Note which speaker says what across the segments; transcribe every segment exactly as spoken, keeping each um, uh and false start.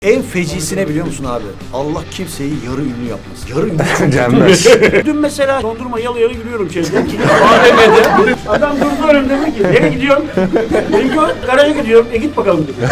Speaker 1: En fecisine biliyor musun abi? Allah kimseyi yarı ünlü yapmasın. Yarı ünlü çok
Speaker 2: Gelmez.
Speaker 3: Dün mesela dondurma yalı yalı yürüyorum şeyde. A V M'de. Adam durdu önümde dedi ki nereye gidiyorsun? Dedim ki garaja gidiyorum. E git bakalım dedi.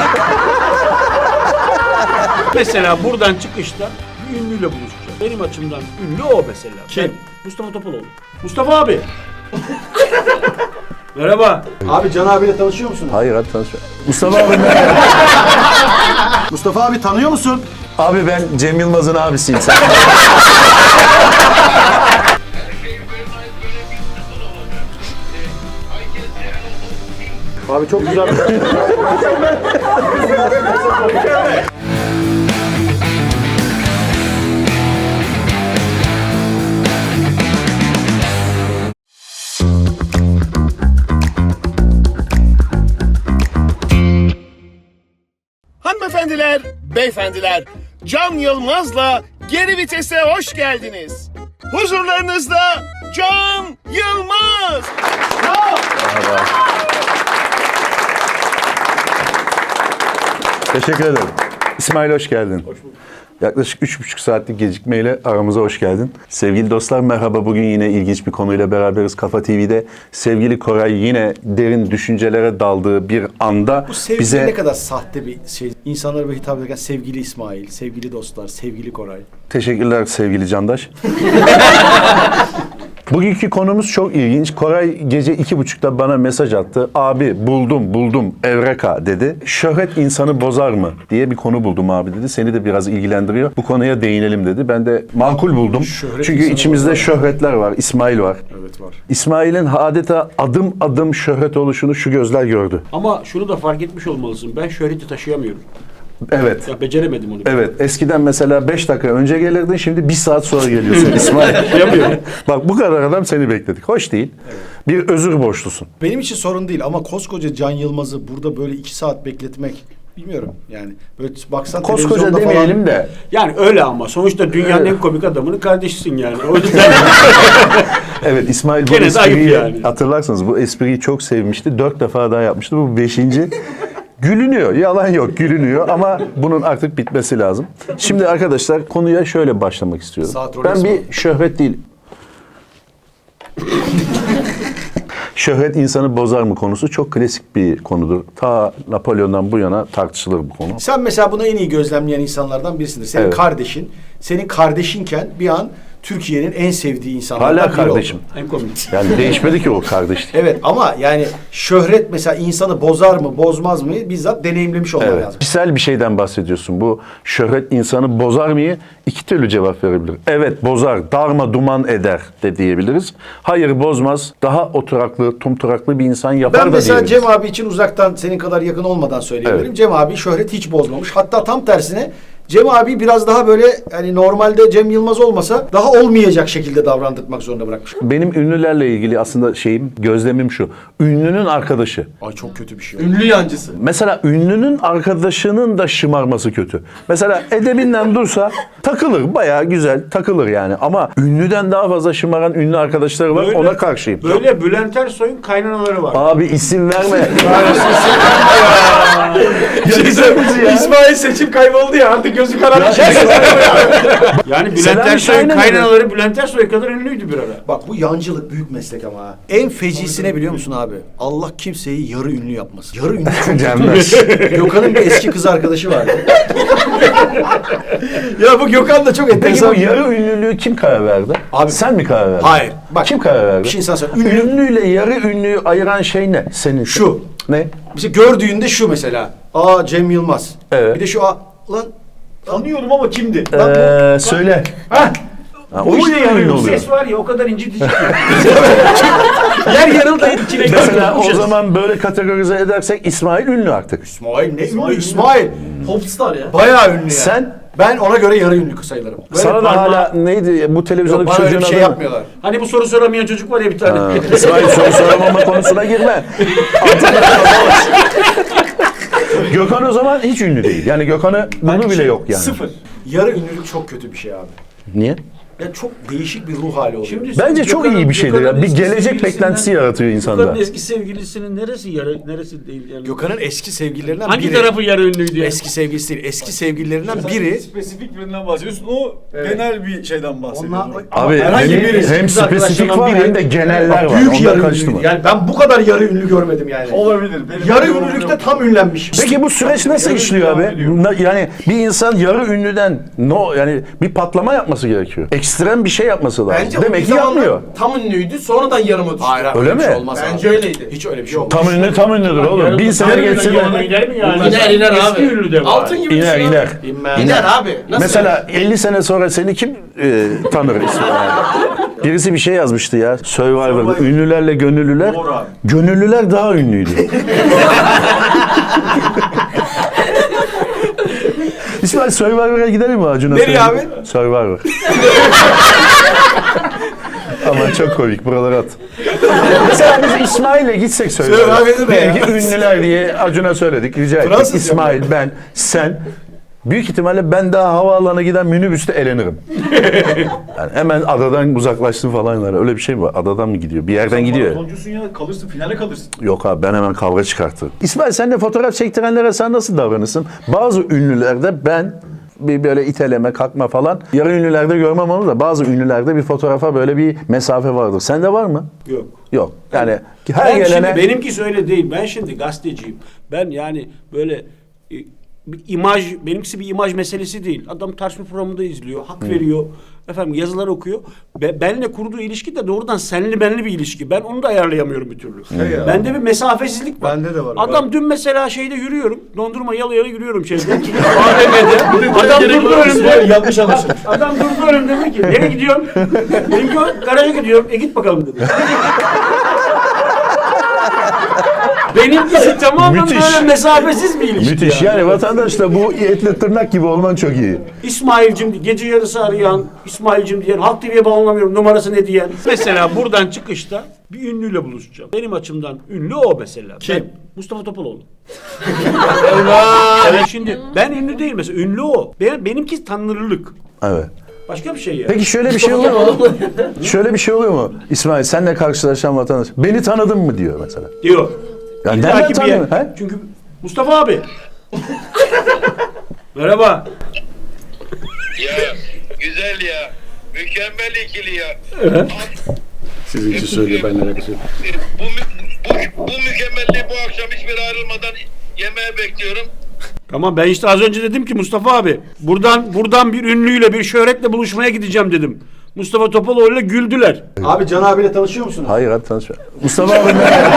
Speaker 3: Mesela buradan çıkışta bir ünlüyle buluşacağım. Benim açımdan ünlü o mesela.
Speaker 1: Kim?
Speaker 3: Ben, Mustafa Topaloğlu. Mustafa abi. Merhaba.
Speaker 1: Abi Can abiyle tanışıyor musunuz?
Speaker 2: Hayır hadi tanışma. Mustafa abi
Speaker 1: Mustafa abi tanıyor musun?
Speaker 2: Abi ben Cem Yılmaz'ın abisiyim sen.
Speaker 1: Abi çok güzel.
Speaker 4: Hanımefendiler, beyefendiler, Can Yılmaz'la Geri Vites'e hoş geldiniz. Huzurlarınızda Can Yılmaz.
Speaker 2: Teşekkür ederim. İsmail hoş geldin. Hoş bulduk. Yaklaşık üç buçuk saatlik gecikmeyle aramıza hoş geldin. Sevgili dostlar merhaba. Bugün yine ilginç bir konuyla beraberiz Kafa T V'de. Sevgili Koray yine derin düşüncelere daldığı bir anda
Speaker 1: Bu sevgili
Speaker 2: bize...
Speaker 1: ne kadar sahte bir şey. İnsanlara böyle hitap ederken sevgili İsmail, sevgili dostlar, sevgili Koray.
Speaker 2: Teşekkürler sevgili Candaş. Bugünkü konumuz çok ilginç. Koray gece iki buçukta bana mesaj attı. Abi buldum buldum Evreka dedi. Şöhret insanı bozar mı diye bir konu buldum abi dedi. Seni de biraz ilgilendiriyor. Bu konuya değinelim dedi. Ben de makul buldum.
Speaker 1: Şöhret
Speaker 2: Çünkü
Speaker 1: insanı
Speaker 2: içimizde
Speaker 1: bozar.
Speaker 2: şöhretler var. İsmail var.
Speaker 1: Evet var.
Speaker 2: İsmail'in adeta adım adım şöhret oluşunu şu gözler gördü.
Speaker 3: Ama şunu da fark etmiş olmalısın. Ben şöhreti taşıyamıyorum.
Speaker 2: Evet.
Speaker 3: Ya beceremedim onu.
Speaker 2: Evet. Eskiden mesela beş dakika önce gelirdin. Şimdi bir saat sonra geliyorsun İsmail.
Speaker 3: Yapıyorum.
Speaker 2: Bak bu kadar adam seni bekledik. Hoş değil. Evet. Bir özür borçlusun.
Speaker 1: Benim için sorun değil ama koskoca Can Yılmaz'ı burada böyle iki saat bekletmek bilmiyorum yani. Böyle baksan
Speaker 2: Koskoca
Speaker 1: televizyonda
Speaker 2: demeyelim
Speaker 1: falan...
Speaker 2: de.
Speaker 3: Yani öyle ama sonuçta dünyanın en komik adamının kardeşisin yani. O yüzden
Speaker 2: Evet İsmail bu
Speaker 3: Gene de ayıp
Speaker 2: espriyi
Speaker 3: yani.
Speaker 2: hatırlarsanız bu espriyi çok sevmişti. Dört defa daha yapmıştı. Bu beşinci. Gülünüyor. Yalan yok. Gülünüyor ama bunun artık bitmesi lazım. Şimdi arkadaşlar konuya şöyle başlamak istiyorum.
Speaker 1: Saat
Speaker 2: Ben
Speaker 1: rolesi
Speaker 2: bir
Speaker 1: mi?
Speaker 2: şöhret değil. Şöhret insanı bozar mı konusu çok klasik bir konudur. Ta Napolyon'dan bu yana tartışılır bu konu.
Speaker 1: Sen mesela bunu en iyi gözlemleyen insanlardan birisindir. Senin
Speaker 2: Evet.
Speaker 1: kardeşin, senin kardeşinken bir an Türkiye'nin en sevdiği insanlardan
Speaker 2: Hala
Speaker 1: biri
Speaker 2: kardeşim.
Speaker 1: oldu.
Speaker 3: en komik.
Speaker 2: Yani değişmedi ki o kardeşlik.
Speaker 1: Evet ama yani şöhret mesela insanı bozar mı, bozmaz mı bizzat deneyimlemiş olman
Speaker 2: Evet.
Speaker 1: lazım.
Speaker 2: Kişisel bir şeyden bahsediyorsun. Bu şöhret insanı bozar mı? İki türlü cevap verebilir. Evet bozar, darma duman eder de diyebiliriz. Hayır bozmaz, daha oturaklı, tumturaklı bir insan yapar
Speaker 1: Ben
Speaker 2: da
Speaker 1: mesela
Speaker 2: diyebiliriz.
Speaker 1: Cem abi için uzaktan senin kadar yakın olmadan söyleyebilirim.
Speaker 2: Evet.
Speaker 1: Cem abi şöhret hiç bozmamış. Hatta tam tersine Cem abi biraz daha böyle hani normalde Cem Yılmaz olmasa daha olmayacak şekilde davrandırmak zorunda bırakmış.
Speaker 2: Benim ünlülerle ilgili aslında şeyim, gözlemim şu. Ünlünün arkadaşı.
Speaker 1: Ay çok kötü bir şey.
Speaker 5: Ünlü yancısı.
Speaker 2: Mesela ünlünün arkadaşının da şımarması kötü. Mesela edebinden dursa takılır, bayağı güzel takılır yani. Ama ünlüden daha fazla şımaran ünlü arkadaşları var,
Speaker 3: Böyle-
Speaker 2: ona karşıyım.
Speaker 3: Böyle Bülent Ersoy'un kaynanaları var.
Speaker 2: Abi isim verme.
Speaker 5: İsmail seçim kayboldu ya artık gözü kararmış.
Speaker 3: Yani Bülent
Speaker 2: Selami
Speaker 3: Ersoy'un
Speaker 2: Şahin'e mi?
Speaker 3: kaynanaları Bülent Ersoy kadar ünlüydü bir ara.
Speaker 1: Bak bu yancılık büyük meslek ama ha. En fecisine biliyor musun abi? Allah kimseyi yarı ünlü yapmasın. Yarı ünlü çok
Speaker 2: Gelmez.
Speaker 1: Gökhan'ın bir eski kız arkadaşı vardı. ya bu Gökhan da çok
Speaker 2: Peki
Speaker 1: enteresan.
Speaker 2: bu yarı ünlülüğü kim karar verdi?
Speaker 1: Abi-
Speaker 2: Sen mi karar verdin?
Speaker 1: Hayır. Bak,
Speaker 2: kim karar verdi?
Speaker 1: bir şey sana söyleyeyim. Ünlü-
Speaker 2: Ünlüyle yarı ünlüyü ayıran şey ne? Senin.
Speaker 1: Şu.
Speaker 2: Ne?
Speaker 1: Mesela gördüğünde şu mesela. Aa Cem Yılmaz.
Speaker 2: Evet.
Speaker 1: Bir de şu a lan
Speaker 5: Tanıyorum ama kimdi?
Speaker 2: Ee, söyle.
Speaker 1: ha
Speaker 2: Ha, o işte yarı ünlü oluyor.
Speaker 3: Ses var ya o kadar incitici ki. Yer yarıldı içine
Speaker 2: Mesela
Speaker 3: girdi.
Speaker 2: o zaman böyle kategorize edersek İsmail ünlü artık.
Speaker 1: İsmail ne ünlü İsmail.
Speaker 5: Popstar ya.
Speaker 1: Bayağı ünlü ya.
Speaker 2: Sen?
Speaker 1: Ben ona göre yarı ünlü sayılırım. Böyle
Speaker 2: Sana da
Speaker 1: parmağı-
Speaker 2: hala neydi bu
Speaker 1: Yok,
Speaker 2: televizyondaki
Speaker 1: bana öyle
Speaker 2: çocuğun
Speaker 1: bir şey
Speaker 2: adı ne?
Speaker 1: yapmıyorlar.
Speaker 3: Hani bu soru soramayan çocuk var ya bir tane.
Speaker 2: Ha, İsmail soru soramama konusuna girme. Altından kalamaz. Gökhan o zaman hiç ünlü değil. Yani Gökhan'ı bunu bile yok yani.
Speaker 5: Sıfır.
Speaker 1: Yarı ünlülük çok kötü bir şey abi.
Speaker 2: Niye?
Speaker 1: Ya çok değişik bir ruh hali oluyor.
Speaker 3: Şimdi
Speaker 2: Bence çok
Speaker 3: Gökhan'ın-
Speaker 2: iyi bir şeydir ya.
Speaker 3: Gökhan'ın
Speaker 2: Bir
Speaker 3: eski
Speaker 2: gelecek
Speaker 3: sevgilisinden-
Speaker 2: beklentisi yaratıyor insanda.
Speaker 3: Gökhan'ın eski sevgilisinin neresi yarı, neresi değil yani?
Speaker 1: Gökhan'ın eski sevgililerinden
Speaker 3: Hangi
Speaker 1: biri.
Speaker 3: tarafı yarı ünlüydü yani?
Speaker 1: Eski sevgilisi değil. Eski sevgililerinden biri.
Speaker 6: Spesifik birinden bahsediyorsun. O genel bir şeyden bahsediyorsun.
Speaker 2: Abi
Speaker 1: herhangi
Speaker 2: hem,
Speaker 1: biri,
Speaker 2: hem
Speaker 1: biz
Speaker 2: spesifik
Speaker 1: arkadaşlardan
Speaker 2: var
Speaker 1: biri-
Speaker 2: hem de geneller var.
Speaker 1: Büyük
Speaker 2: Ondan
Speaker 1: yarı
Speaker 2: karıştırma.
Speaker 1: ünlü. Yani ben bu kadar yarı ünlü görmedim yani.
Speaker 6: Olabilir. Benim
Speaker 1: Yarı
Speaker 6: yorumum
Speaker 1: ünlülükte
Speaker 6: yok.
Speaker 1: tam ünlenmiş.
Speaker 2: Peki bu süreç nasıl işliyor abi? Na- Yani bir insan yarı ünlüden no yani bir patlama yapması gerekiyor. Ekstrem bir şey yapması lazım.
Speaker 5: Bence o
Speaker 2: Demek
Speaker 5: bir
Speaker 2: ki
Speaker 5: zamanlar
Speaker 2: yapmıyor.
Speaker 5: tam ünlüydü, sonradan yarıma düştü.
Speaker 1: Hayır, hayır,
Speaker 2: Öyle
Speaker 1: öyle bir
Speaker 2: mi?
Speaker 1: şey olmaz
Speaker 5: Bence
Speaker 1: abi.
Speaker 5: öyleydi.
Speaker 1: Hiç öyle bir şey olmaz.
Speaker 2: Tam ünlü tam ünlüdür oğlum. Bin sene geçse de
Speaker 3: Yarı gider mi yani?
Speaker 5: İner iner
Speaker 3: Eski
Speaker 5: abi.
Speaker 3: ünlü de var.
Speaker 5: Altın gibi
Speaker 2: iner
Speaker 5: düşün
Speaker 2: iner.
Speaker 5: abi.
Speaker 1: İnmez.
Speaker 5: İner abi. Nasıl?
Speaker 2: Mesela elli sene sonra seni kim e, tanır ismi yani? Birisi bir şey yazmıştı ya. Survivor, ünlülerle gönüllüler.
Speaker 6: Doğru abi.
Speaker 2: Gönüllüler daha ünlüydü. İsmail Survivor'a gidelim mi Acun'a?
Speaker 1: Nereye
Speaker 2: söyleyeyim? Survivor. Ama çok komik. Buraları at. Mesela biz İsmail'le gitsek Survivor'a.
Speaker 1: Survivor'da ne ya?
Speaker 2: Belki ünlüler diye Acun'a söyledik. Rica ettik.
Speaker 1: Fransız
Speaker 2: İsmail, ben, sen. Büyük ihtimalle ben daha havaalanına giden minibüste elenirim. Yani hemen adadan uzaklaştım falan. Yani. Öyle bir şey mi var? Adadan mı gidiyor? Bir yerden gidiyor.
Speaker 6: Maratoncusun ya, kalırsın, finale kalırsın.
Speaker 2: Yok abi ben hemen kavga çıkartırım. İsmail sen de fotoğraf çektirenlere sen nasıl davranırsın? Bazı ünlülerde ben bir böyle iteleme, kalkma falan. Yarı ünlülerde görmem onu da bazı ünlülerde bir fotoğrafa böyle bir mesafe vardır. Sende var mı?
Speaker 3: Yok.
Speaker 2: Yok. Yani her
Speaker 3: Ben
Speaker 2: gelene...
Speaker 3: şimdi benimkisi öyle değil. Ben şimdi gazeteciyim. Ben yani böyle e, bir imaj, benimkisi bir imaj meselesi değil. Adam tartışma programında izliyor, hak veriyor. Efendim yazılar okuyor. Be, benle kurduğu ilişki de doğrudan senli benli bir ilişki. Ben onu da ayarlayamıyorum bir türlü. Bende bir mesafesizlik var.
Speaker 1: Bende de var.
Speaker 3: Adam dün mesela şeyde yürüyorum. Dondurma yala yala yürüyorum şeyde. A V M'de. Adam durdu önümde.
Speaker 1: Yanlış anlaşılmış.
Speaker 3: Adam durdu önümde dedi ki nereye gidiyorsun? Dedim ki garaja gidiyorum. E git bakalım dedi. Benimkisi tamamen
Speaker 2: Müthiş.
Speaker 3: böyle mesafesiz bir ilişki.
Speaker 2: Müthiş. Yani vatandaşla bu etle tırnak gibi olman çok iyi.
Speaker 3: İsmail'cim gece yarısı arayan, İsmail'cim diyen, Halk T V'ye bağlanamıyorum numarası ne diyen. Mesela buradan çıkışta bir ünlüyle buluşacağım. Benim açımdan ünlü o mesela.
Speaker 1: Kim?
Speaker 3: Ben, Mustafa Topaloğlu. Evet şimdi ben ünlü değil mesela ünlü o. Benim, benimki tanınırlık.
Speaker 2: Evet.
Speaker 3: Başka bir şey ya.
Speaker 2: Peki şöyle bir şey oluyor mu? Şöyle bir şey oluyor mu? İsmail senle karşılaşan vatandaş beni tanıdın mı diyor mesela.
Speaker 3: Diyor.
Speaker 2: Ya
Speaker 3: İlla
Speaker 2: nereden
Speaker 3: ki bir
Speaker 2: tanıyor?
Speaker 3: yer-
Speaker 2: He?
Speaker 3: Çünkü Mustafa abi. Merhaba.
Speaker 7: Ya güzel ya. Mükemmel ikili ya.
Speaker 3: Sizinki söylüyor ben nereye
Speaker 7: Bu, mü- bu, bu mükemmelliği bu akşam hiçbir ayrılmadan yemeğe bekliyorum.
Speaker 3: Tamam ben işte az önce dedim ki Mustafa abi buradan buradan bir ünlüyle bir şöhretle buluşmaya gideceğim dedim. Mustafa Topaloğlu'yla güldüler.
Speaker 1: Abi Can abiyle tanışıyor musunuz?
Speaker 2: Hayır hadi tanışma. Mustafa abi merhaba.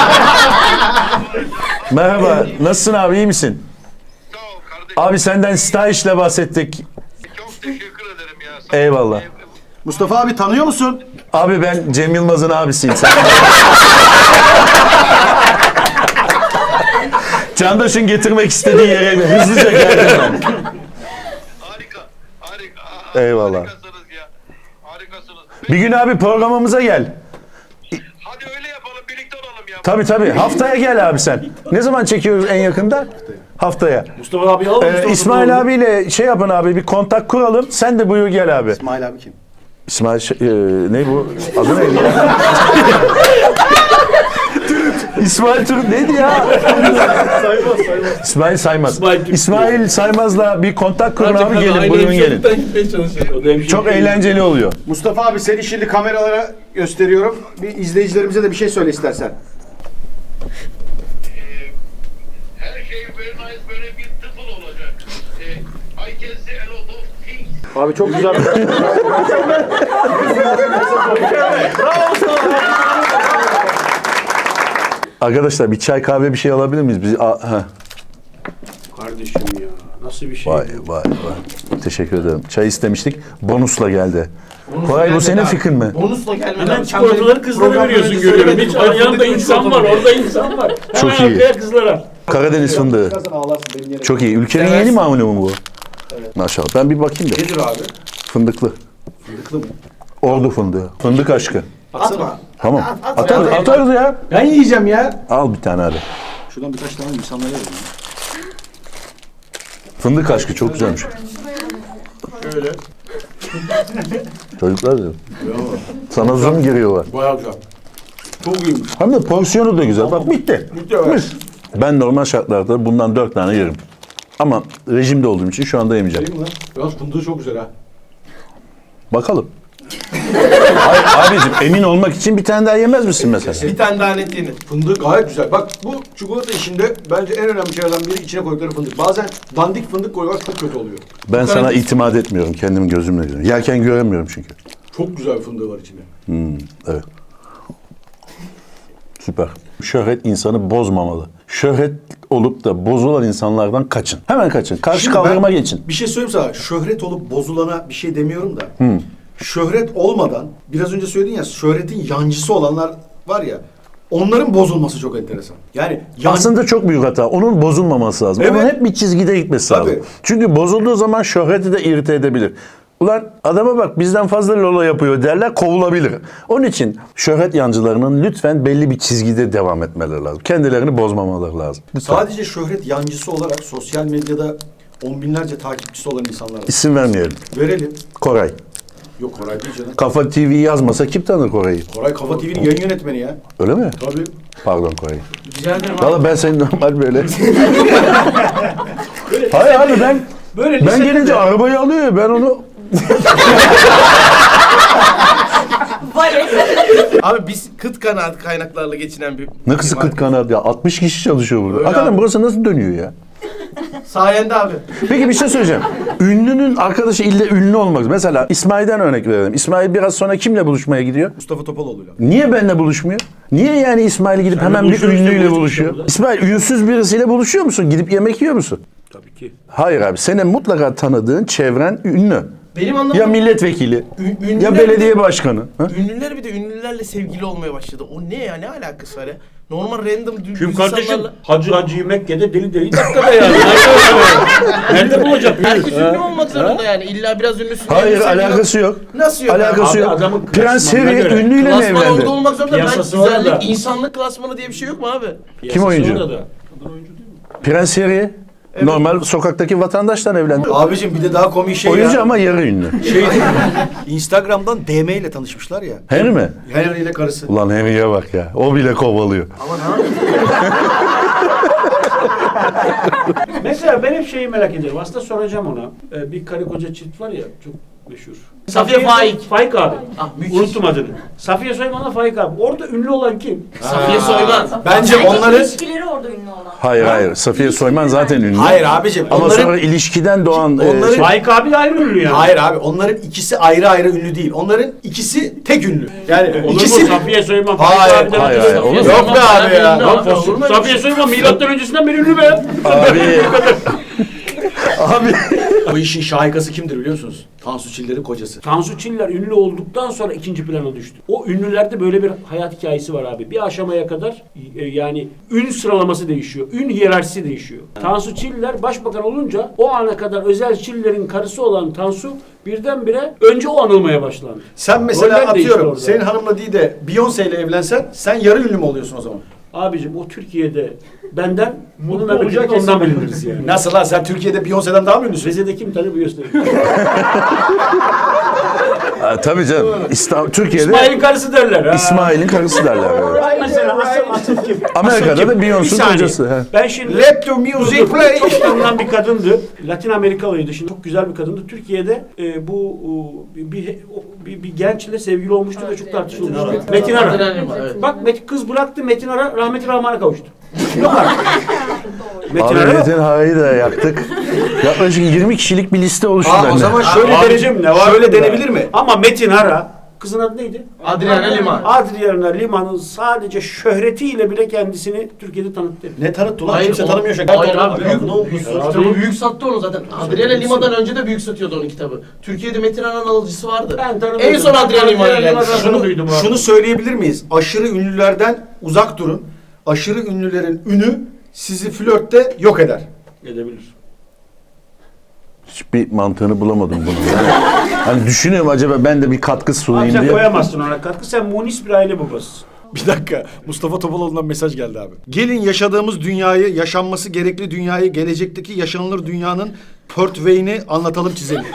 Speaker 2: Merhaba. Nasılsın abi iyi misin?
Speaker 7: Sağ ol kardeşim.
Speaker 2: Abi senden Stayiş'le bahsettik.
Speaker 7: Çok teşekkür ederim ya. Sağ ol.
Speaker 2: Eyvallah.
Speaker 1: Mustafa abi tanıyor musun?
Speaker 2: Abi ben Cem Yılmaz'ın abisiyim. Sen... Candaş'ın getirmek istediği yere hızlıca geldim ben.
Speaker 7: Harika. Harika. Aa,
Speaker 2: Eyvallah.
Speaker 7: Harikasınız ya. Harikasınız.
Speaker 2: Bir gün abi programımıza gel.
Speaker 7: Hadi öyle yapalım. Birlikte olalım ya.
Speaker 2: Tabii tabii. Haftaya gel abi sen. Ne zaman çekiyoruz en yakında? Haftaya.
Speaker 3: Mustafa abi alalım.
Speaker 2: Ee,
Speaker 3: Mustafa
Speaker 2: İsmail
Speaker 3: Topaloğlu.
Speaker 2: abiyle şey yapın abi bir kontak kuralım. Sen de buyur gel abi.
Speaker 1: İsmail abi kim?
Speaker 2: İsmail şey- e, ne bu? Adı neydi ya? İsmail Türk neydi ya? İsmail Saymaz.
Speaker 3: İsmail Türk.
Speaker 2: İsmail Saymaz'la bir kontak kurun abi gelin
Speaker 5: Aynı
Speaker 2: buyurun gelin.
Speaker 5: hemşeriden gitmeye çalışıyorum.
Speaker 3: O da hemşire
Speaker 2: Çok
Speaker 3: değil.
Speaker 2: eğlenceli oluyor.
Speaker 1: Mustafa abi seni şimdi kameralara gösteriyorum. Bir izleyicilerimize de bir şey söyle istersen.
Speaker 7: Her şey very nice. Böyle bir tıfıl olacak. Ee, I can see a lot of things.
Speaker 1: Abi çok güzel.
Speaker 3: Arkadaşlar
Speaker 2: bir çay kahve bir şey alabilir miyiz? Biz, a, ha.
Speaker 3: Kardeşim ya nasıl bir şey
Speaker 2: Vay
Speaker 3: bu?
Speaker 2: vay vay. Teşekkür ederim. Çay istemiştik. Bonusla geldi. Koray bu senin fikrin mi?
Speaker 5: Bonusla gelmeden.
Speaker 3: Hemen çikolataları kızlara
Speaker 5: Programdan
Speaker 3: veriyorsun
Speaker 5: önce
Speaker 3: görüyorum.
Speaker 5: söylemedim.
Speaker 3: Hiç
Speaker 5: Bana
Speaker 3: yanında
Speaker 5: fındıklı
Speaker 3: insan var,
Speaker 5: çikolata
Speaker 3: orada insan var.
Speaker 2: Çok
Speaker 3: Hemen
Speaker 2: iyi.
Speaker 3: arkaya kızlara.
Speaker 2: Karadeniz fındığı. Çok iyi. Ülkenin yeni mamulü mü bu? Maşallah. Ben bir bakayım da.
Speaker 1: Nedir abi?
Speaker 2: Fındıklı.
Speaker 1: Fındıklı mı?
Speaker 2: Ordu fındığı. Fındık aşkı.
Speaker 1: Atma.
Speaker 2: Tamam. Atarız, atarız ya.
Speaker 1: Ben yiyeceğim ya.
Speaker 2: Al bir tane hadi.
Speaker 1: Şuradan birkaç tane insanlara verelim.
Speaker 2: Fındık aşkı çok güzelmiş.
Speaker 1: Şöyle.
Speaker 2: Çocuklar diyor. Sana zoom giriyorlar.
Speaker 3: Bayağı güzel. Çok iyiymiş.
Speaker 2: Hem de porsiyonu da güzel. Bak bitti.
Speaker 3: Bitti, evet.
Speaker 2: Mis. Ben normal şartlarda bundan dört tane yerim. Ama rejimde olduğum için şu anda yemeyeceğim.
Speaker 1: Değil mi lan? Yalnız fındığı çok güzel ha.
Speaker 2: Bakalım. Hayır, abicim emin olmak için bir tane daha yemez misin mesela?
Speaker 5: Bir tane daha net yenir.
Speaker 1: Fındık gayet güzel. Bak bu çikolata işinde bence en önemli şeylerden biri içine koydukları fındık. Bazen dandik fındık koyuyorlar çok kötü oluyor.
Speaker 2: Ben sana itimat etmiyorum. Kendim gözümle görüyorum. Yerken göremiyorum çünkü.
Speaker 1: Çok güzel fındığı var içinde.
Speaker 2: Hmm, evet. Süper. Şöhret insanı bozmamalı. Şöhret olup da bozulan insanlardan kaçın. Hemen kaçın. Karşı
Speaker 1: Şimdi
Speaker 2: kaldırıma
Speaker 1: ben
Speaker 2: geçin.
Speaker 1: Bir şey söyleyeyim sana. Şöhret olup bozulana bir şey demiyorum da. Şöhret olmadan, biraz önce söyledin ya, şöhretin yancısı olanlar var ya, onların bozulması çok enteresan. Yani yan...
Speaker 2: Aslında çok büyük hata. Onun bozulmaması lazım.
Speaker 1: Evet.
Speaker 2: Onun hep bir çizgide gitmesi
Speaker 1: Tabii.
Speaker 2: lazım. Çünkü bozulduğu zaman şöhreti de irite edebilir. Ulan adama bak bizden fazla lola yapıyor derler, kovulabilir. Onun için şöhret yancılarının lütfen belli bir çizgide devam etmeleri lazım. Kendilerini bozmamaları lazım. Lütfen.
Speaker 1: Sadece şöhret yancısı olarak sosyal medyada on binlerce takipçisi olan insanlar var.
Speaker 2: İsim vermeyelim.
Speaker 1: Verelim.
Speaker 2: Koray.
Speaker 1: Yok Koray değil canım.
Speaker 2: Kafa T V yazmasa kim tanır Koray'ı?
Speaker 1: Koray Kafa T V'nin yayın yönetmeni ya.
Speaker 2: Öyle mi?
Speaker 1: Tabii.
Speaker 2: Pardon Koray.
Speaker 5: Rica ederim abi.
Speaker 2: Valla ben seni normal böyle... Hayır abi ben...
Speaker 3: Böyle
Speaker 2: Ben gelince arabayı alıyor ya ben onu...
Speaker 5: Abi biz kıt kanaat kaynaklarla geçinen bir...
Speaker 2: Ne kısa kıt kanaat ya. altmış kişi çalışıyor burada.
Speaker 5: Öyle
Speaker 2: Hakikaten
Speaker 5: abi.
Speaker 2: burası nasıl dönüyor ya?
Speaker 5: Sayende abi.
Speaker 2: Peki bir şey söyleyeceğim. Ünlünün arkadaşı ille ünlü olmak. Mesela İsmail'den örnek verelim. İsmail biraz sonra kimle buluşmaya gidiyor?
Speaker 1: Mustafa Topaloğlu'yla.
Speaker 2: Niye benimle buluşmuyor? Niye yani İsmail gidip hemen bir
Speaker 3: buluşuyoruz işte,
Speaker 2: ünlüyle
Speaker 3: buluştuk
Speaker 2: buluşuyor?
Speaker 3: işte burada.
Speaker 2: İsmail ünsüz birisiyle buluşuyor musun? Gidip yemek yiyor musun?
Speaker 3: Tabii ki.
Speaker 2: Hayır abi. Senin mutlaka tanıdığın çevren ünlü.
Speaker 5: Benim anladığım...
Speaker 2: Ya milletvekili,
Speaker 5: Ün- ünlüler
Speaker 2: ya
Speaker 5: bir
Speaker 2: belediye
Speaker 5: de-
Speaker 2: başkanı. Ha?
Speaker 5: Ünlüler bir de ünlülerle sevgili olmaya başladı. O ne ya? Ne alakası var ya? Normal random dü-
Speaker 3: Kim
Speaker 5: düz
Speaker 3: kardeşim?
Speaker 5: insanlarla...
Speaker 3: Hacı Hacı Mekke'de deli deli dakikada yani. Nerede bulacak?
Speaker 5: Herkes ünlü olmak zorunda yani. İlla biraz ünlüsün. diye
Speaker 2: Hayır
Speaker 5: bir sevgili-
Speaker 2: alakası yok.
Speaker 5: Nasıl yok?
Speaker 2: Alakası
Speaker 3: Abi
Speaker 2: yok.
Speaker 3: adamın
Speaker 2: Prens
Speaker 3: klasmanına
Speaker 2: Harry
Speaker 3: göre.
Speaker 2: ünlüyle mi
Speaker 5: Klasman
Speaker 2: evlendi?
Speaker 5: orada olmak zorunda. Ben
Speaker 3: Piyasası var
Speaker 5: güzellik,
Speaker 3: da.
Speaker 5: insanlık klasmanı diye bir şey yok mu abi?
Speaker 2: Kim oyuncu?
Speaker 3: Orada da.
Speaker 2: Prens Harry normal sokaktaki vatandaştan evlendi.
Speaker 1: Abicim bir de daha komik şey
Speaker 2: Oyuncu
Speaker 1: ya.
Speaker 2: ama yarı ünlü.
Speaker 1: Şey, Instagram'dan D M ile tanışmışlar ya.
Speaker 2: Harry mi?
Speaker 1: Henry ile karısı.
Speaker 2: Ulan Harry'e bak ya. O bile kovalıyor.
Speaker 3: Mesela ben hep şeyi merak ediyorum. Aslında soracağım ona. Ee, bir karı koca çift var ya çok meşhur.
Speaker 5: Safiye Faik.
Speaker 3: Faik abi.
Speaker 5: Ah, müthiş.
Speaker 3: Unuttum adını. Safiye Soyman'la Faik abi. Orada ünlü olan kim?
Speaker 5: Safiye Soyman.
Speaker 1: Bence onları...
Speaker 8: ilişkileri orada ünlü olan.
Speaker 2: Hayır hayır. Safiye Soyman zaten ünlü.
Speaker 1: Hayır abicim.
Speaker 2: Ama
Speaker 1: onların...
Speaker 2: sonra ilişkiden doğan... e,
Speaker 1: Onların-
Speaker 2: şey-
Speaker 3: Faik abi de ayrı ünlü yani.
Speaker 1: Hayır abi onların ikisi ayrı ayrı ünlü değil. Onların ikisi tek ünlü. Yani
Speaker 3: Olur
Speaker 1: ikisi...
Speaker 3: mu? Safiye Soyman, Faik
Speaker 1: Hayır,
Speaker 3: abi de
Speaker 2: hayır, hayır, olur mu?
Speaker 1: Yok be abi ya.
Speaker 5: Yok be.
Speaker 3: Safiye Soyman milattan öncesinden beri ünlü be.
Speaker 2: Abi... Abi...
Speaker 1: Bu işin şahikası kimdir biliyor musunuz? Tansu Çiller'in kocası.
Speaker 3: Tansu Çiller ünlü olduktan sonra ikinci plana düştü. O ünlülerde böyle bir hayat hikayesi var abi. Bir aşamaya kadar e, yani ün sıralaması değişiyor. Ün hiyerarşisi değişiyor. Tansu Çiller başbakan olunca o ana kadar Özel Çiller'in karısı olan Tansu birdenbire önce o anılmaya başlandı.
Speaker 1: Sen mesela
Speaker 3: Roller değişti
Speaker 1: atıyorum
Speaker 3: orada.
Speaker 1: senin hanımla değil de Beyoncé ile evlensen sen yarı ünlü mü oluyorsun o zaman?
Speaker 3: Abicim o Türkiye'de benden bunu
Speaker 1: Mutlu
Speaker 3: memlekette
Speaker 1: olacak
Speaker 3: ondan
Speaker 1: kesin.
Speaker 3: biliniriz yani.
Speaker 1: Nasıl lan sen Türkiye'de Beyoncé'den daha mı ünlüsün?
Speaker 3: Rize'de kim tanır bu gösterir.
Speaker 2: Ha, tabii canım. İstanbul, Türkiye'de
Speaker 3: İsmail'in karısı derler. ha.
Speaker 2: İsmail'in karısı derler. Evet.
Speaker 3: Bak mesela asıl asıl kim?
Speaker 2: Amerika'da
Speaker 3: Asıl kim?
Speaker 2: da Beyoncé'nin
Speaker 3: Bir saniye.
Speaker 2: kocası, he.
Speaker 3: Ben şimdi
Speaker 1: Let the music play.
Speaker 3: Çok tanınan bir kadındı. Latin Amerikalıydı. Şimdi çok güzel bir kadındı. Türkiye'de e, bu o, bir, bir, o, bir, bir gençle sevgili olmuştu ve çok tartışılmıştı. Metin Ara.
Speaker 5: Metin Ara, evet.
Speaker 3: Bak Metin, kız bıraktı Metin Ara rahmetli Rahman'a kavuştu. Yok artık. Metin
Speaker 2: Abi
Speaker 3: Ara yok.
Speaker 2: Metin Hara'yı da yaktık. Yaklaşık yirmi kişilik bir liste oluştu
Speaker 1: Aa, o
Speaker 2: bende.
Speaker 1: zaman şöyle,
Speaker 3: Abicim,
Speaker 1: dene,
Speaker 3: ne var
Speaker 1: şöyle
Speaker 3: bunda?
Speaker 1: denebilir mi?
Speaker 3: Ama Metin Ara, kızın adı neydi?
Speaker 5: Adriana Lima.
Speaker 3: Adriana Lima'nın sadece şöhretiyle bile kendisini Türkiye'de tanıttı.
Speaker 1: Ne tanıttı ulan?
Speaker 5: Hayır,
Speaker 1: Kimse
Speaker 5: o-
Speaker 1: tanımıyor şaka.
Speaker 5: Hayır abi, büyük,
Speaker 1: Ne olmuş?
Speaker 5: kitabı büyük sattı onu zaten. Adriana Lima'dan önce de büyük satıyordu onun kitabı. Türkiye'de Metin Ara'nın alıcısı vardı.
Speaker 3: Ben tanımıyordum.
Speaker 5: En son Adriana Lima'ya
Speaker 3: Adriana
Speaker 5: geldi.
Speaker 3: Lima'dan
Speaker 1: Şunu,
Speaker 3: duydum abi.
Speaker 1: şunu söyleyebilir miyiz? Aşırı ünlülerden uzak durun. Aşırı ünlülerin ünü sizi flörtte yok eder.
Speaker 3: Edebilir.
Speaker 2: Hiçbir mantığını bulamadım bunu. Yani, hani düşünüyorum acaba ben de bir katkı
Speaker 3: Abi
Speaker 2: sunayım
Speaker 3: sen
Speaker 2: diye.
Speaker 3: koyamazsın ona katkı. Sen munis bir aile babasısın.
Speaker 1: Bir dakika. Mustafa Topaloğlu'ndan mesaj geldi abi. Gelin yaşadığımız dünyayı, yaşanması gerekli dünyayı, gelecekteki yaşanılır dünyanın pörtveyini anlatalım, çizelim.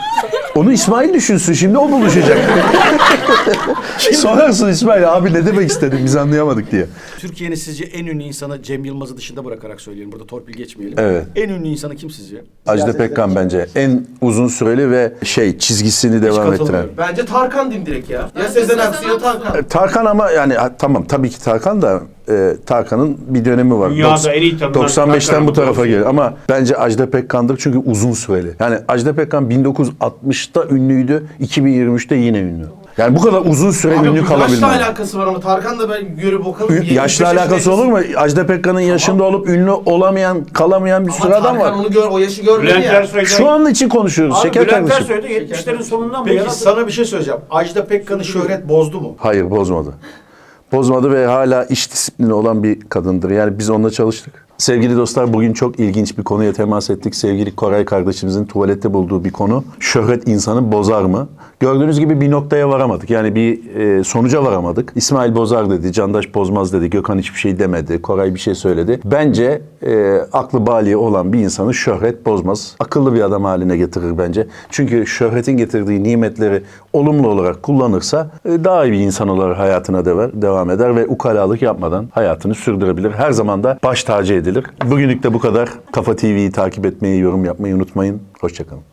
Speaker 2: Onu İsmail düşünsün. Şimdi o buluşacak. Sorarsın İsmail abi ne demek istedin biz anlayamadık diye.
Speaker 1: Türkiye'nin sizce en ünlü insanı Cem Yılmaz'ı dışında bırakarak söyleyelim. Burada torpil geçmeyelim.
Speaker 2: Evet.
Speaker 1: En ünlü insanı kim sizce?
Speaker 2: Ajda Pekkan bence en uzun süreli ve şey çizgisini devam ettiren.
Speaker 1: katılmıyorum.
Speaker 5: Bence Tarkan diyeyim direkt ya. Ya Sezen Aksu ya Tarkan.
Speaker 2: Tarkan ama yani ha, tamam tabii ki Tarkan da e, Tarkan'ın bir dönemi var.
Speaker 3: Dünyada
Speaker 2: Doks-
Speaker 3: en iyi tanınan
Speaker 2: doksan beşten
Speaker 3: Tarkan
Speaker 2: bu tarafa
Speaker 3: ama.
Speaker 2: geliyor ama bence Ajda Pekkan'dır çünkü uzun süreli. Yani Ajda Pekkan bin dokuz yüz altmışta ünlüydü, iki bin yirmi üçte yine ünlü. Yani bu kadar uzun süre
Speaker 5: Abi
Speaker 2: ünlü
Speaker 5: bu yaşla
Speaker 2: kalabilmez.
Speaker 5: alakası var ama Tarkan da ben görüp bakalım.
Speaker 2: Ü- Yaşla alakası olur mu? Ajda Pekkan'ın yaşında olup ünlü olamayan, kalamayan bir sürü
Speaker 5: Ama
Speaker 2: adam
Speaker 5: Tarkan
Speaker 2: var.
Speaker 5: onu gör, o yaşı görmedi
Speaker 3: Bülent
Speaker 5: ya.
Speaker 3: Ersoy'dan...
Speaker 2: Şu an için konuşuyoruz
Speaker 3: Abi
Speaker 2: şeker
Speaker 3: Bülent
Speaker 2: kardeşim.
Speaker 3: Ersoy da yetmişlerin sonundan beri
Speaker 1: Peki
Speaker 3: yarattı.
Speaker 1: sana bir şey söyleyeceğim. Ajda Pekkan'ı şöhret bozdu mu?
Speaker 2: Hayır bozmadı. Bozmadı ve hala iş disiplini olan bir kadındır. Yani biz onunla çalıştık. Sevgili dostlar bugün çok ilginç bir konuya temas ettik. Sevgili Koray kardeşimizin tuvalette bulduğu bir konu. Şöhret insanı bozar mı? Gördüğünüz gibi bir noktaya varamadık. Yani bir e, sonuca varamadık. İsmail bozar dedi, Candaş bozmaz dedi, Gökhan hiçbir şey demedi, Koray bir şey söyledi. Bence e, aklı baliği olan bir insanı şöhret bozmaz. Akıllı bir adam haline getirir bence. Çünkü şöhretin getirdiği nimetleri olumlu olarak kullanırsa e, daha iyi bir insan olarak hayatına devar, devam eder ve ukalalık yapmadan hayatını sürdürebilir. Her zaman da baş tacı edilir. Bugünlük de bu kadar. Kafa T V'yi takip etmeyi, yorum yapmayı unutmayın. Hoşçakalın.